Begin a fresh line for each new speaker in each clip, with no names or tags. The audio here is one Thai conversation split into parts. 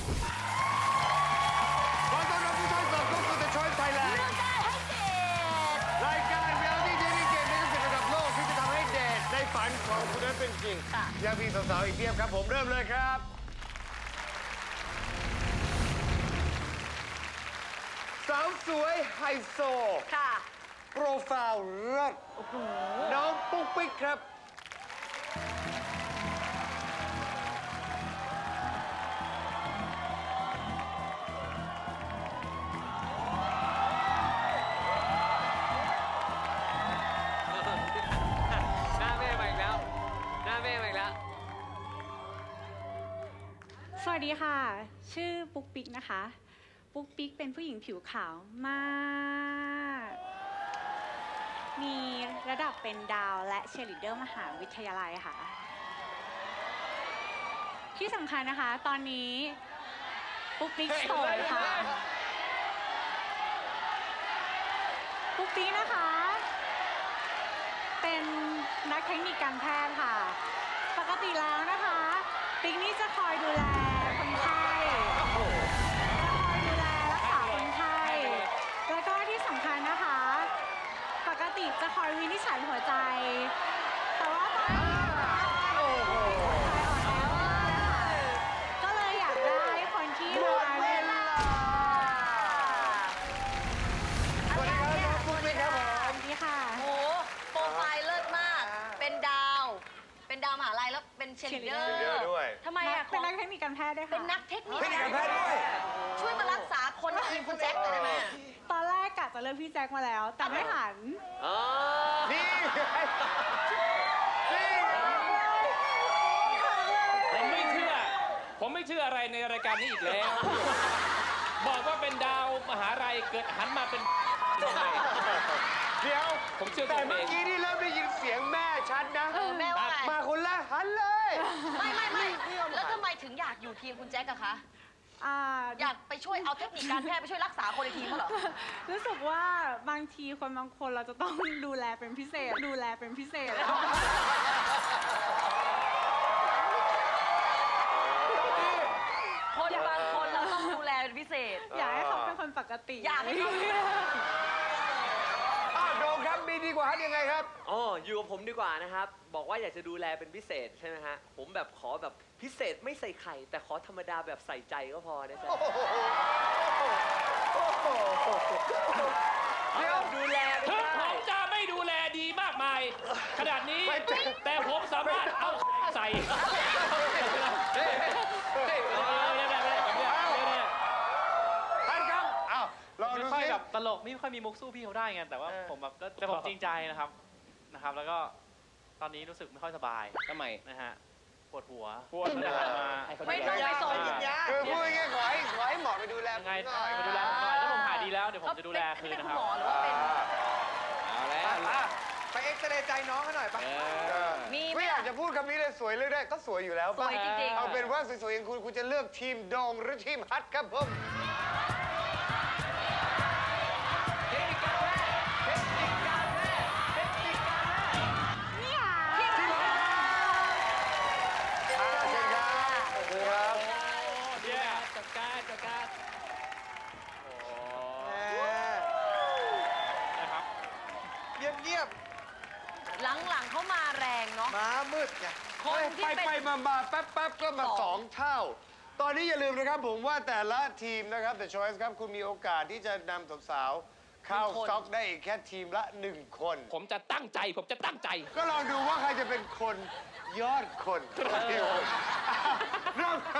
ขอต้อนรับผู้ชมสู่เข้าสู่ The Choice Thailand รายการเรียลลิตี้เดทเกมในระดับโลกที่จะทำให้เดทในฝันของคุณนั้นเป็นจริงยังมีสาวๆอีกเพียบครับผมเริ่มเลยครับสาวสวยไฮโซ
ค่ะ
โปรไฟล์เลิศน้องปุ๊กปิ๊กครับ
หน้าแม่มาอีกแล้วหน้าแม่มาอีกแล้ว
สวัสดีค่ะ ชื่อปุ๊กปิ๊กนะคะ ปุ๊กปิ๊กเป็นผู้หญิงผิวขาวมาก มีระดับเป็นดาวและเชียร์ลีดเดอร์มหาวิทยาลัยค่ะ ที่สำคัญนะคะ ตอนนี้ปุ๊กปิ๊กโสดค่ะ ปุ๊กปิ๊กนะคะ เป็นนักเทคนิคการแพทย์ค่ะ ปกติแล้วนะคะ ปิ๊กนี่จะคอยดูแลคนไข้จะคอยดูแลรักษาคนไข้ แล้วก็ที่สำคัญนะคะ ปกติจะคอยวินิจฉัยหัวใจ แต่ว่าตอนนี้หัวใจอ่อนแอมากนะคะก็เลยอยากได้คนที่ดูแลเวลา
สวัสดีครับน้องปุ๊กปิ๊กครับผม
สวัสดีค่ะ
โอ้โหโปรไฟล์เลิศมาก เป็นดาว เป็นดาวมหาลัยแล้วเป็นเชียร์ลีดเดอ
เชียร์ลีดเดอร์
ร์
ด้วย
ทำไมอ่ะ
เป็นนักเทคนิคการแพทย์ด้วยค่ะ
เป็นนักเทคนิค
เทคนิคการแพทย์ด้วย
ช่วยมารักษาคนในทีมคุณแจ็คหน่อยได้ไหมอะ
ตอนแรกกะจะเลือกพี่แจ็คมาแล้ว แต่ไม่หัน
อ๋อ
นี่ไงนี่ไง
ผมไม่เชื่ออะไรในรายการนี้อีกแล้ว บอกว่าเป็นดาวมหาลัยเกิดหันมาเป็นยังไง
เดี๋ยว
ผมเชื่อ
แต่
ตัวเอง
เมื่อกี้นี่เริ่มได้ยินเสียงแม่ชัดนะ
แม่ว่าไง
มาคนแรกหันเลย
ไม่แล้วทำไมถึงอยากอยู่ทีมคุณแจ็คอะคะ
อ่า
อยากไปช่วยเอาเทคนิคการแพทย์ไปช่วยรักษาคนในทีมเขาเหรอ
รู้สึกว่าบางทีคนบางคนเราจะต้องดูแลเป็นพิเศษ ดูแลเป็นพิเศษ
คนบางคนเราต้องดูแลเป็นพิเศษ
อยากให้เขาเป็นคนปกติ
อยากให้เขา
อ้าวโดมครับมีดีกว่าฮัทยังไงครับ
อ๋ออยู่กับผมดีกว่านะครับ บอกว่าอยากจะดูแลเป็นพิเศษใช่ไหมฮะ ผมแบบขอแบบพิเศษไม่ใส่ไข่ แต่ขอธรรมดาแบบใส่ใจก็พอนะจ๊ะ
เดี๋ยว
ดูแลไม่
ถึงผ
ได้
มจะไม่ดูแลดีมากมาย ขนาดนี้
ไม่ใช่
แต่ผมสามารถเอาใส่
ฮัทครับอ้าวลอง
ไม่
ดู
ค่อย
สิ
แบบตลกไม่ค่อยมีมุกสู้พี่เขาได้ไงแต่ว่าผมแบบก็แต่ผมจริงใจนะครับแล้วก็ตอนนี้รู้สึกไม่ค่อยสบาย
ทำไม
นะฮะปวดหัว
ปวดหัว
ไม่ต้องไปสน
คือพูดง่ายๆขอให้หมอไปดูแล
ยังไง
ผมหน่อย
มาดูแลผมหน่อยถ้าผมหายดีแล้วเดี๋ยวผมจะดูแลคืน
เป็น
นะ
คุ
ค
ณ
รับ
หมอหรือว่าเป็น
เอาแล้ว
อ่ะไปเอ็กซเรย์ใจน้องเขาหน่อยปะ
มีไหม
ไม่อยากจะพูดคำนี้เลยสวยเลือกได้ก็สวยอยู่แล้ว
ส
ปะ
วยจริง
เอาเป็นว่าสวยๆอย่างคุณจะเลือกทีมโดงหรือทีมฮัทครับผม
นี่ค่ะ
เชิญครับเชิญครับ
จัดการจัดการ
นะครับ
เงียบ
ๆ หลังๆเขามาแรงเนาะ
ๆม้ามืดไง
คนที่
ไป
เป็น
ไปมาแป๊บก็มา
สอง
2 เท่า ตอนนี้อย่าลืมนะครับผมว่าแต่ละทีมนะครับแต่ Choice ครับคุณมีโอกาสที่จะนำสาวๆเข้าสต็อกได้อีกแค่ทีมละ 1 คน
ผมจะตั้งใจ
ก็ลองดูว่าใครจะเป็นคนยอดคนที่โหดเริ่มครับ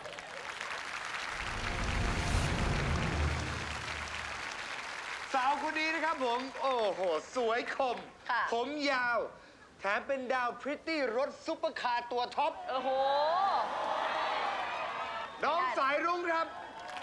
สาวคนนี้นะครับผม โอ้โห สวยคม
ค่ะ
ผมยาว แถมเป็นดาวพริตตี้รถซุปเปอร์คาร์ตัวท็อป
โอ้โห
น้องสายรุ้งครับ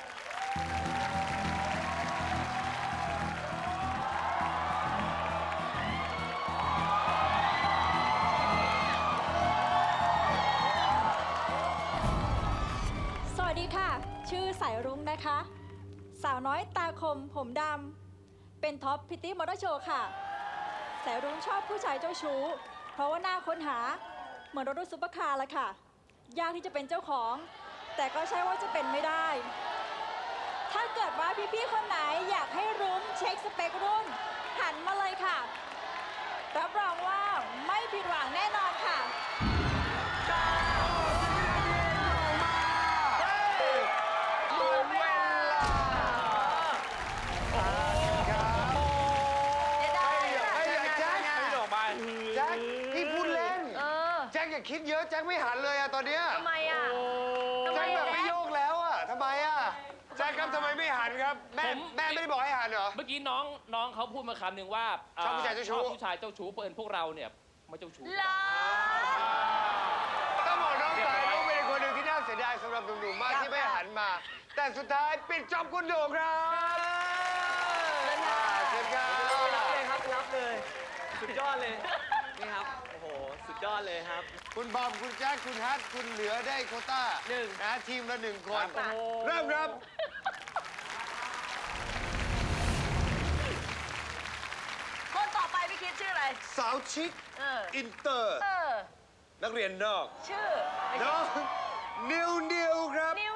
สวัสดีค่ะ ชื่อสายรุ้งนะคะ สาวน้อยตาคมผมดำ เป็นท็อปพิตตี้มอเตอร์โชว์ค่ะ สายรุ้งชอบผู้ชายเจ้าชู้ เพราะว่าหน้าค้นหาเหมือนรถซุปเปอร์คาร์ละค่ะ ยากที่จะเป็นเจ้าของแต่ก็ใช่ว่าจะเป็นไม่ได้ ถ้าเกิดว่าพี่ๆคนไหนอยากให้รุ้งเช็คสเปครุ่น หันมาเลยค่ะ รับรองว่าไม่ผิดหวังแน่นอนค่ะ
หมดเวลา
จะได้อะ
ไอ้แจ็ค
ไม่ออกมา
แจ็คพี่พูดเล่น
เออ
แจ็คอย่าคิดเยอะแจ็คไม่หันเลยอะตอนเนี้ย
ทำไมอ่ะทำไม
แจ็คแบบ
อะ
ไม่โยกแล้วอะทำไมอะแจ็คครับทำไมไม่หันครับ แม่ไม่ได้บอกให้หันเหรอ
เมื่อกี้น้องเขาพูดมาคำหนึ่งว่า
ชอบผู้ชายเจ้าชู้
ชอบผู้ชายเจ้าชู้เปิดพวกเราเนี่ยไม่เจ้าชู้
เหรอ
ต้องบอกน้องสายน้องเป็นคนหนึ่งที่น่าเสียดายสำหรับหนุ่มๆมากที่ไม่หันมา แต่สุดท้ายปิดจอบคุณโด่งครับเชิญครับ
รับเลยครับรับเลย สุดยอดเลย นี่ครับ โอ้โห สุดยอดเลยครับ
คุณบอมคุณแจ็คคุณฮัทคุณเหลือได้โควต้า
หนึ่ง
นะทีมละ1 คน
ครับโอ้โห
เริ่มครับ
คนต่อไปพี่คิดชื่ออะไร
สาวชิค
เออ
อินเตอร์
เออ
นักเรียนนอก
ชื่อ
น้องนิวครับ
นิว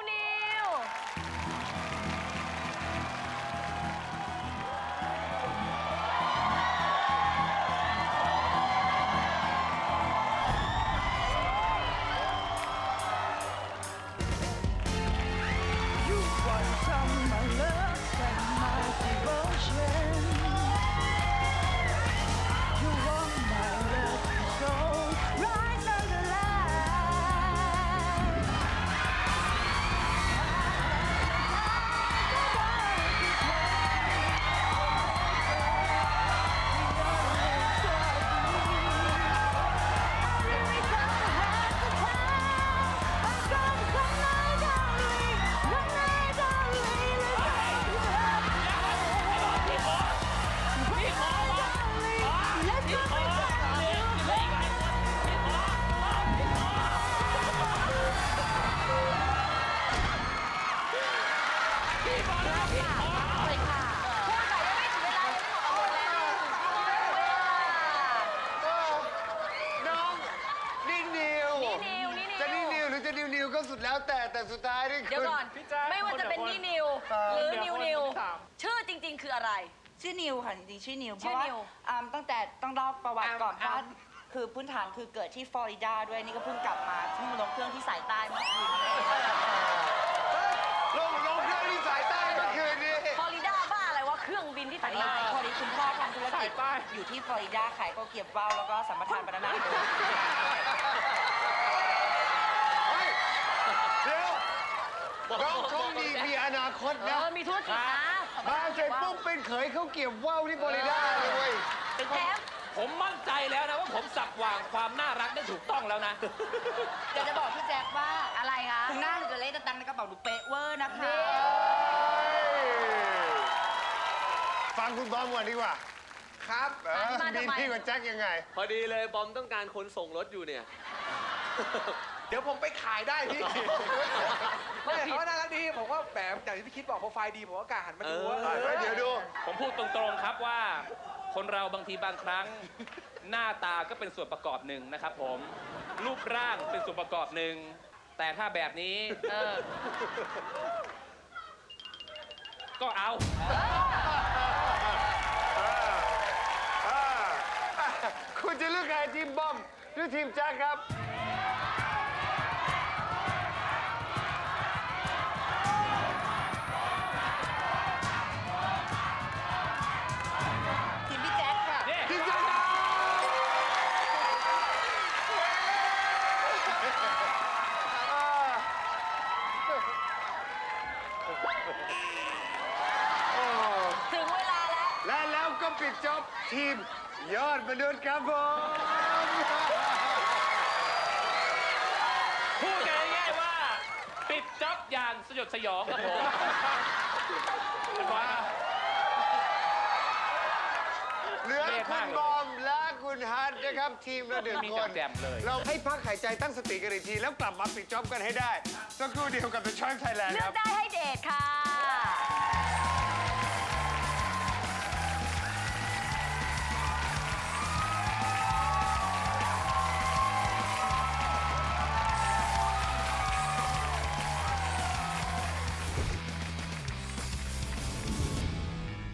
น้องนิว
นิว
จะนิวหรือจะนิวก็สุดแล้วแต่สุดท้ายนี่
เดี๋ยว
คือ
ก่อน
พี่แจ๊ค
ไม่ว่าจะเป็น
คน
นิวหรือนิว
คนที่สาม
ชื่อจริง ๆ คืออะไร
ชื่อนิวค่ะจริงๆชื่อนิวเพ
ชื่อ
ราะว่า
นิว
ตั้งแต่ต้องเล่าประวัติก่อน
อ่า
ว่าคือพื้นฐานคือเกิดที่ฟลอริดาด้วยนี่ก็เพิ่งกลับมาเพิ่งลงเครื่องที่สายใต้เมื่อคืนนี้
ลงเครื่องที่สายใต้เมื่อคืนนี้
ฟลอริดาบ้าอะไรวะเครื่องบินที่
อั
สาน ย
นี้
ใต้
พอดีคุณพ่อทำธุรกิจ
สายใต้
อยู่ที่ฟลอริดาขายก็เก็บว่าวแล้วก็สัมปทานบานาน่า
เฮ้ยเดี๋ยวน้องโชคดีมีอนาคตนะ
มีธุรกิจนะ
มาเสร็จปุ๊บเป็นเขยเขาเก็บว่าวที่ฟลอริดาเลยเว้ย
แถม
ผมมั่นใจแล้วนะว่าผมสับวางความน่ารักได้ถูกต้องแล้วนะ
เดี๋ยวจะบอกพี่แจ๊คว่า
อะไรคะ
คุณหน้าจะเล่นตังในกระเป๋าดูเป๊ะเวอร์นะคะ
ฟังคุณบอมก่อนดีกว่า ครับ
มาทำไม
พี่กับแจ็คยังไง
พอดีเลยบอมต้องการคนส่งรถอยู่เนี่ย
เดี๋ยวผมไปขายได้พี่ ไม่เขาว่าน่ารักดี ผมว่าแบบอย่างที่พี่คิดบอกโปรไฟล์ดี ผมก็กล้าหันมาดูว่า
เดี๋ยวดู
ผมพูดตรงๆครับว่า คนเราบางทีบางครั้ง หน้าตาก็เป็นส่วนประกอบหนึ่งนะครับผม รูปร่างเป็นส่วนประกอบหนึ่ง แต่ถ้าแบบนี้ก็เอา
คุณจะเลือกใครทีมบอมหรือทีมแจ็คครับ
ทีมพี่แจ๊คค่ะ
นี่
ทีมแจ็คครับโอ้
ถึงเวลาแล้ว
และแล้วก็ปิดจ็อบทีมยอดมนุษย์ครับผม
พูดกันง่ายๆว่า ปิดจ็อบอย่างสยดสยองครับผมเรียบร้อยครับ
เหลือคุณบอมและคุณฮัทนะครับ ทีมละหนึ่ง
มี
คน
แจ่มๆเลย
เราให้พักหายใจตั้งสติกันอีกที แล้วกลับมาปิดจ็อบกันให้ได้สักครู่เดียวกับ The Choice Thailand
เลื
ค
อ
รั
ก
บ
ได้ให้เดทค่ะ